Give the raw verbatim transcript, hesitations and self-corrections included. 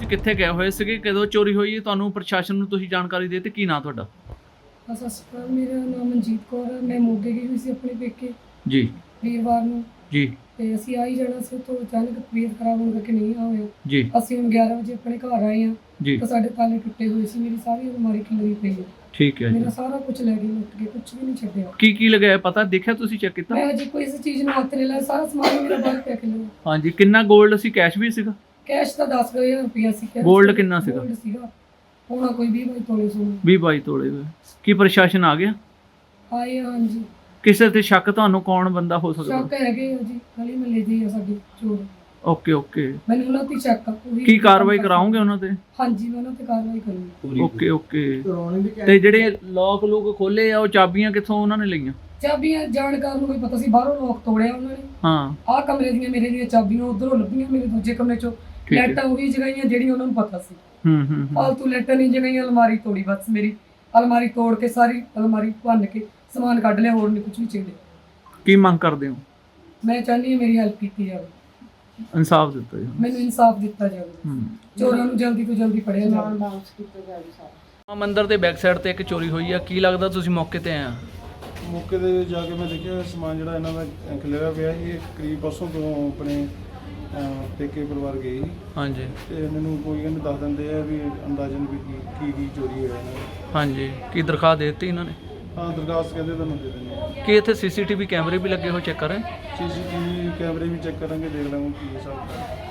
ਕਿੱਥੇ ਗਏ ਹੋਏ ਸੀਗੇ, ਕਦੋਂ ਚੋਰੀ ਹੋਈ ਹੈ, ਤੁਹਾਨੂੰ ਪ੍ਰਸ਼ਾਸਨ ਨੂੰ ਤੁਸੀਂ ਜਾਣਕਾਰੀ ਦੇ ਤੇ ਕੀ ਨਾਂ ਤੁਹਾਡਾ? ਸਤਿ ਸ਼੍ਰੀ ਅਕਾਲ, ਮੇਰਾ ਨਾਮ ਮਨਜੀਤ ਕੌਰ ਹੈ। ਮੈਂ ਮੋਗੇ ਗਈ ਹੋਈ ਸੀ ਆਪਣੇ ਪੇਕੇ ਜੀ ਵੀਰਵਾਰ ਨੂੰ ਜੀ ਤੇ ਅਸੀਂ ਆ ਹੀ ਜਾਣਾ ਸੀ। ਉੱਥੋਂ ਅਚਾਨਕ ਤਬੀਅਤ ਖਰਾਬ ਹੋਣ ਕਰਕੇ ਨਹੀਂ ਆ ਹੋਇਆ। ਜੀ ਅਸੀਂ ਹੁਣ ਗਿਆਰਾਂ ਵਜੇ ਆਪਣੇ ਘਰ ਆਏ ਹਾਂ ਜੀ ਤਾਂ ਸਾਡੇ ਤਾਲੇ ਟੁੱਟੇ ਹੋਏ ਸੀ। ਮੇਰੀ ਸਾਰੀ ਅਲਮਾਰੀ ਖਿਲਰੀ ਪਈ ਹੈ। ਠੀਕ ਹੈ ਜੀ। ਮੇਰਾ ਸਾਰਾ ਕੁਝ ਲੈ ਗਏ, ਲੁੱਟ ਕੇ, ਕੁਝ ਵੀ ਨਹੀਂ ਛੱਡਿਆ। ਕੀ ਕੀ ਲਗਾਇਆ ਪਤਾ ਦੇਖਿਆ ਤੁਸੀਂ, ਚੈੱਕ ਕੀਤਾ? ਮੈਂ ਅਜੇ ਕੋਈ ਇਸ ਚੀਜ਼ ਨੂੰ ਹੱਥ ਨਹੀਂ ਲਾਇਆ, ਸਾਰਾ ਸਮਾਨ ਮੇਰਾ ਬਾਹਰ ਪਿਆ ਖਿਲਰਿਆ। ਹਾਂਜੀ, ਕਿੰਨਾ ਗੋਲਡ ਸੀ, ਕੈਸ਼ ਵੀ ਸੀਗਾ? ਕੈਸ਼ ਤਾਂ ਦਸ ਹਜ਼ਾਰ ਰੁਪਇਆ ਸੀ। ਕੈਸ਼ ਗੋਲਡ ਕਿੰਨਾ ਸੀਗਾ? ਗੋਲਡ ਸੀਗਾ ਹੋਣਾ ਕੋਈ ਵੀਹ ਬਾਈ ਤੋਲੇ ਸੋਨਾ। ਵੀਹ ਬਾਈ ਤੋਲੇ ਹੋਏ। ਕੀ ਪ੍ਰਸ਼ਾਸਨ ਆ ਗਿਆ? ਆਏ ਹਾਂ ਜੀ। ਕਿਸੇ ਤੇ ਸ਼ੱਕ ਤੁਹਾਨੂੰ ਕੌਣ ਬੰਦਾ ਹੋ ਸਕਦਾ? ਸ਼ੱਕ ਹੈਗੇ ਆ ਜੀ, ਗਲੀ ਮਹੱਲੇ ਦੇ ਆ ਸਾਡੇ ਚੋਰ। Okay okay. ਮੈਨੂੰ ਉਹਨਾਂ ਤੇ ਸ਼ੱਕ ਆ। ਉਹ ਵੀ ਕੀ ਕਾਰਵਾਈ ਕਰਾਓਗੇ ਉਹਨਾਂ ਤੇ? ਹਾਂਜੀ, ਮੈਂ ਉਹਨਾਂ ਤੇ ਕਾਰਵਾਈ ਕਰੂੰਗੀ। Okay okay. ਤੇ ਜਿਹੜੇ ਲੋਕ ਲੋਕ ਖੋਲੇ ਆ, ਉਹ ਚਾਬੀਆਂ ਕਿੱਥੋਂ ਉਹਨਾਂ ਨੇ ਲਈਆਂ? ਚਾਬੀਆਂ ਜਾਣਕਾਰ ਨੂੰ ਕੋਈ ਪਤਾ ਸੀ, ਬਾਹਰੋਂ ਲੋਕ ਤੋੜਿਆ ਉਹਨਾਂ ਨੇ। ਹਾਂ, ਆਹ ਕਮਰੇ ਦੀਆਂ ਮੇਰੇ ਦੀਆਂ ਚਾਬੀਆਂ ਉਧਰੋਂ ਲੱਭੀਆਂ, ਮੇਰੇ ਦੂਜੇ ਕਮਰੇ ਚੋਂ। ਠੀਕ ਹੈ। ਲੈਟਾਂ ਉਹੀ ਜਗਾਈਆਂ ਜਿਹੜੀਆਂ ਉਹਨਾਂ ਨੂੰ ਪਤਾ ਸੀ। ਹੂੰ ਹੂੰ ਹੂੰ। ਫਾਲਤੂ ਲੈਟਾਂ ਨਹੀਂ ਜਗਾਈਆਂ। ਅਲਮਾਰੀ ਤੋੜੀ, ਬਸ ਮੇਰੀ ਅਲਮਾਰੀ ਤੋੜ ਕੇ ਸਾਰੀ ਅਲਮਾਰੀ ਭੰਨ ਕੇ ਸਮਾਨ ਕੱਢ ਲਿਆ, ਹੋਰ ਨਹੀਂ ਕੁਝ ਵੀ ਚਾਹੀਦਾ। ਕੀ ਮੰਗ ਕਰਦੇ ਹੋ? ਮੈਂ ਚਾਹੁੰਦੀ ਹਾਂ ਮੇਰੀ ਹੈਲਪ ਕੀਤੀ ਜਾਵੇ, ਇਨਸਾਫ ਦਿੱਤਾ ਜੀ। ਮੈਨੂੰ ਇਨਸਾਫ ਦਿੱਤਾ ਜਾਵੇ, ਹੂੰ। ਚੋਰਾਂ ਨੂੰ ਜਲਦੀ ਤੋਂ ਜਲਦੀ ਫੜਿਆ ਜਾਵੇ। ਮੰਦਿਰ ਦੇ ਬੈਕ ਸਾਈਡ ਤੇ ਇੱਕ ਚੋਰੀ ਹੋਈ ਆ, ਕੀ ਲੱਗਦਾ ਤੁਸੀਂ ਮੌਕੇ ਤੇ ਆਏ ਆ? ਮੌਕੇ 'ਤੇ ਜਾ ਕੇ ਮੈਂ ਦੇਖਿਆ ਸਮਾਨ ਜਿਹੜਾ ਇਹਨਾਂ ਦਾ ਖਿਲਰਿਆ ਪਿਆ ਸੀ। ਇਹ ਕਰੀਬ ਪਰਸੋਂ ਤੋਂ ਆਪਣੇ ਅਹ, ਪੇਕੇ ਪਰਿਵਾਰ ਗਏ ਸੀ ਹਾਂਜੀ ਤੇ ਮੈਨੂੰ ਕੋਈ ਕਹਿੰਦੇ ਦੱਸ ਦਿੰਦੇ ਆ ਵੀ ਅੰਦਾਜ਼ਨ ਵੀ ਕੀ ਕੀ ਕੀ ਚੋਰੀ ਹੋਇਆ ਇਹਨਾਂ ਦਾ। ਹਾਂਜੀ, ਕੀ ਦਰਖਾਸਤ ਦੇ ਦਿੱਤੀ ਇਹਨਾਂ ਨੇ? ਹਾਂ, ਦਰਖਾਸਤ ਕਹਿੰਦੇ ਤੁਹਾਨੂੰ ਦੇ ਦਿੰਦੇ ਆ। ਕੀ ਇੱਥੇ ਸੀਸੀਟੀਵੀ ਕੈਮਰੇ ਵੀ ਲੱਗੇ ਹੋਏ, ਚੈੱਕ ਕਰ ਰਹੇ? ਸੀ ਸੀ ਟੀ ਵੀ ਕੈਮਰੇ ਵੀ ਚੈੱਕ ਕਰਾਂਗੇ, ਦੇਖ ਲਾਂਗੇ ਕੀ ਹਿਸਾਬ ਹੈ।